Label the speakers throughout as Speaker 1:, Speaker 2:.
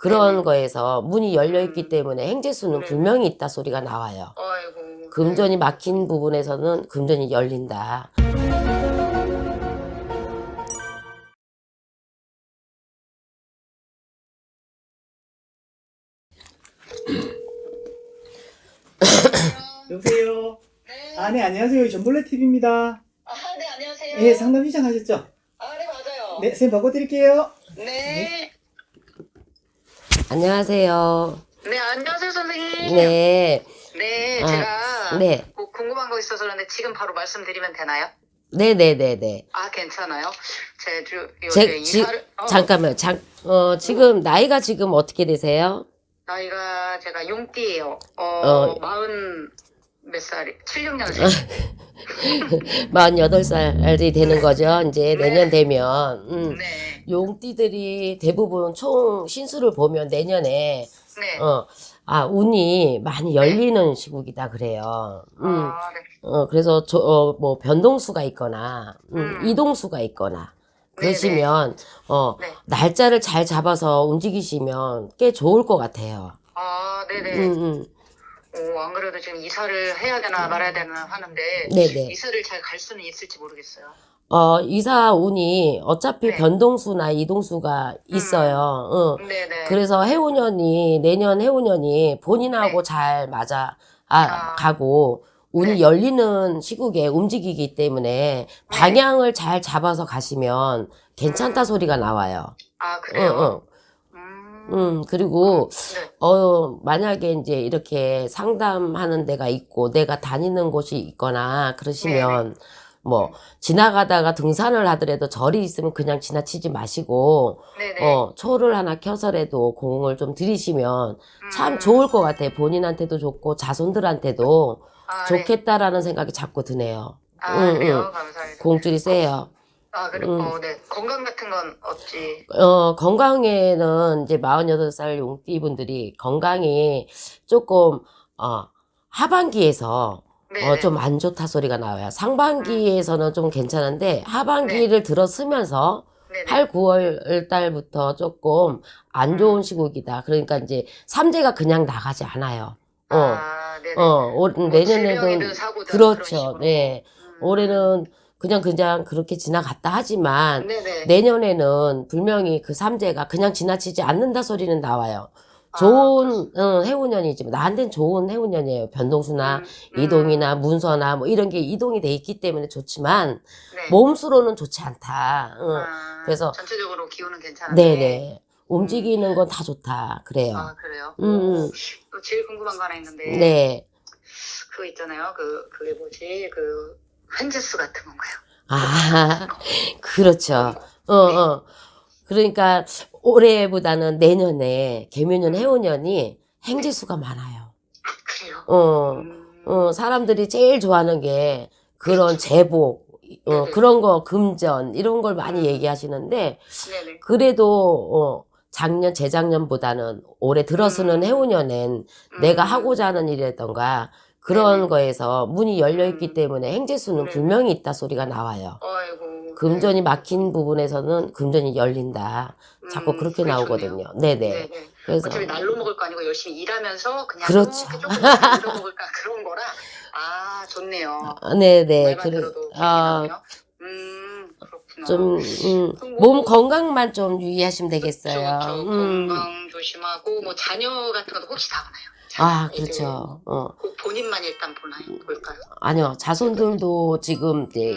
Speaker 1: 그런
Speaker 2: 네네.
Speaker 1: 거에서 문이 열려있기 때문에 행재수는
Speaker 2: 네.
Speaker 1: 분명히 있다 소리가 나와요.
Speaker 2: 아이고.
Speaker 1: 금전이 막힌 부분에서는 금전이 열린다.
Speaker 3: 여보세요?
Speaker 2: 네.
Speaker 3: 아, 네, 안녕하세요. 전볼레 TV입니다.
Speaker 2: 네, 안녕하세요.
Speaker 3: 예, 상담 신청하셨죠?
Speaker 2: 네, 맞아요.
Speaker 3: 네, 선생님 바꿔드릴게요.
Speaker 2: 네.
Speaker 1: 안녕하세요.
Speaker 2: 네, 안녕하세요, 선생님.
Speaker 1: 네.
Speaker 2: 네,
Speaker 1: 아,
Speaker 2: 제가
Speaker 1: 네.
Speaker 2: 뭐 궁금한 거 있어서 그런데 지금 바로 말씀드리면 되나요?
Speaker 1: 네네네네.
Speaker 2: 괜찮아요. 요새 이사를,
Speaker 1: 잠깐만요. 지금, 나이가 지금 어떻게 되세요?
Speaker 2: 나이가 제가 용띠예요.
Speaker 1: 어.
Speaker 2: 40 몇 살이, 76년생.
Speaker 1: 48살이 되는 거죠. 이제
Speaker 2: 네.
Speaker 1: 내년 되면.
Speaker 2: 네.
Speaker 1: 용띠들이 대부분 총 신수를 보면 내년에,
Speaker 2: 네.
Speaker 1: 운이 많이 열리는 시국이다 그래요.
Speaker 2: 네.
Speaker 1: 그래서 뭐 변동수가 있거나, 이동수가 있거나, 그러시면,
Speaker 2: 네.
Speaker 1: 날짜를 잘 잡아서 움직이시면 꽤 좋을 것 같아요.
Speaker 2: 네네. 안 그래도 지금 이사를 해야 되나 말아야 되나 하는데,
Speaker 1: 네네.
Speaker 2: 이사를 잘 갈 수는 있을지 모르겠어요.
Speaker 1: 이사 운이 어차피
Speaker 2: 네.
Speaker 1: 변동수나 이동수가 있어요.
Speaker 2: 네네.
Speaker 1: 그래서 내년 해운년이 본인하고
Speaker 2: 네.
Speaker 1: 잘 맞아,
Speaker 2: 아.
Speaker 1: 가고, 운이
Speaker 2: 네.
Speaker 1: 열리는 시국에 움직이기 때문에 방향을 잘 잡아서 가시면 괜찮다 소리가 나와요.
Speaker 2: 그래요?
Speaker 1: 그리고,
Speaker 2: 네.
Speaker 1: 만약에 이제 이렇게 상담하는 데가 있고, 내가 다니는 곳이 있거나, 그러시면, 뭐, 지나가다가 등산을 하더라도 절이 있으면 그냥 지나치지 마시고,
Speaker 2: 네네.
Speaker 1: 초를 하나 켜서라도 공을 좀 들이시면 참 좋을 것 같아요. 본인한테도 좋고, 자손들한테도
Speaker 2: 네.
Speaker 1: 좋겠다라는 생각이 자꾸 드네요.
Speaker 2: 그래요? 감사합니다.
Speaker 1: 공줄이 세요.
Speaker 2: 그리고, 네. 건강 같은 건 없지.
Speaker 1: 건강에는 이제 48살 용띠 분들이 건강이 조금, 하반기에서,
Speaker 2: 네네.
Speaker 1: 좀 안 좋다 소리가 나와요. 상반기에서는 좀 괜찮은데, 하반기를 들어서면서,
Speaker 2: 네네.
Speaker 1: 8, 9월 달부터 조금 안 좋은 시국이다. 그러니까 이제, 삼재가 그냥 나가지 않아요.
Speaker 2: 네네.
Speaker 1: 내년에는,
Speaker 2: 질병이든 사고든 그런
Speaker 1: 그렇죠.
Speaker 2: 식으로.
Speaker 1: 네. 올해는 그냥 그렇게 지나갔다 하지만,
Speaker 2: 네네.
Speaker 1: 내년에는 분명히 그 삼재가 그냥 지나치지 않는다 소리는 나와요.
Speaker 2: 그렇습니다.
Speaker 1: 좋은 해운년이지만 나한테는 좋은 해운년이에요. 변동수나 이동이나 문서나 뭐 이런 게 이동이 돼 있기 때문에 좋지만
Speaker 2: 네.
Speaker 1: 몸수로는 좋지 않다. 그래서
Speaker 2: 전체적으로 기운은 괜찮은데.
Speaker 1: 네네 움직이는 건 다 좋다 그래요.
Speaker 2: 그래요? 또 제일 궁금한 거 하나 있는데.
Speaker 1: 네.
Speaker 2: 그거 있잖아요. 그게 뭐지? 한재수 같은 건가요?
Speaker 1: 그렇죠. 그러니까 올해보다는 내년에 개묘년 해운년이 행재수가 많아요.
Speaker 2: 그래요?
Speaker 1: 사람들이 제일 좋아하는 게 그런 제복,
Speaker 2: 네네.
Speaker 1: 그런 거, 금전, 이런 걸 많이 얘기하시는데,
Speaker 2: 네네.
Speaker 1: 그래도, 재작년보다는 올해 들어서는 해운년엔 내가 하고자 하는 일이라던가, 그런
Speaker 2: 네네.
Speaker 1: 거에서 문이 열려있기 때문에 행재수는
Speaker 2: 네.
Speaker 1: 분명히 있다 소리가 나와요.
Speaker 2: 아이고.
Speaker 1: 금전이 막힌 부분에서는 금전이 열린다. 자꾸 그렇게
Speaker 2: 그게
Speaker 1: 나오거든요.
Speaker 2: 좋네요.
Speaker 1: 네네. 그래서,
Speaker 2: 어차피 날로 먹을 거 아니고 열심히 일하면서 그냥
Speaker 1: 그렇죠.
Speaker 2: 이렇게 조금씩 얻어 먹을까 그런 거라. 좋네요.
Speaker 1: 네네.
Speaker 2: 말만 들어도 기분이 나네요. 그렇구나.
Speaker 1: 몸 건강만 좀 유의하시면 되겠어요.
Speaker 2: 그쵸. 건강 조심하고 뭐 자녀 같은 것도 혹시 다 오나요?
Speaker 1: 그렇죠.
Speaker 2: 꼭 본인만 일단 볼까요?
Speaker 1: 아니요. 자손들도 지금 이제,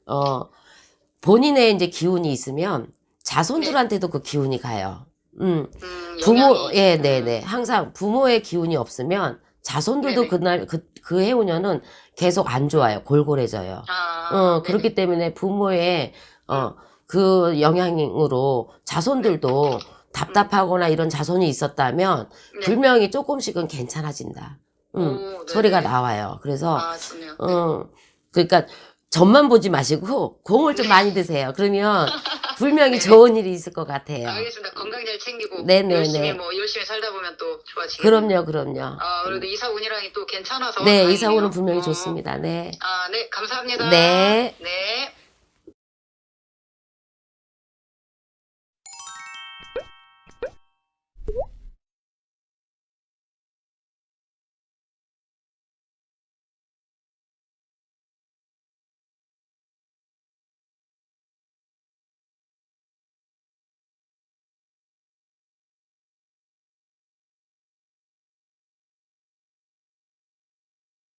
Speaker 1: 본인의 이제 기운이 있으면 자손들한테도 그 기운이 가요.
Speaker 2: 영향이.
Speaker 1: 네네. 항상 부모의 기운이 없으면 자손들도
Speaker 2: 네네.
Speaker 1: 그날, 그 해운년은 계속 안 좋아요. 골골해져요. 그렇기 때문에 부모의, 그 영향으로 자손들도 답답하거나 이런 자손이 있었다면
Speaker 2: 네.
Speaker 1: 분명히 조금씩은 괜찮아진다.
Speaker 2: 네네.
Speaker 1: 소리가 나와요. 그래서,
Speaker 2: 좋네요.
Speaker 1: 그러니까 점만 보지 마시고 공을 좀 많이 드세요. 그러면 분명히
Speaker 2: 네.
Speaker 1: 좋은 일이 있을 것 같아요.
Speaker 2: 알겠습니다. 건강 잘 챙기고
Speaker 1: 네네네.
Speaker 2: 열심히 살다 보면 또 좋아지겠네요.
Speaker 1: 그럼요.
Speaker 2: 그래도 이사 운이랑이 또 괜찮아서
Speaker 1: 네,
Speaker 2: 다행이네요.
Speaker 1: 이사 오는 분명히 좋습니다. 네.
Speaker 2: 네, 감사합니다.
Speaker 1: 네.
Speaker 2: 네.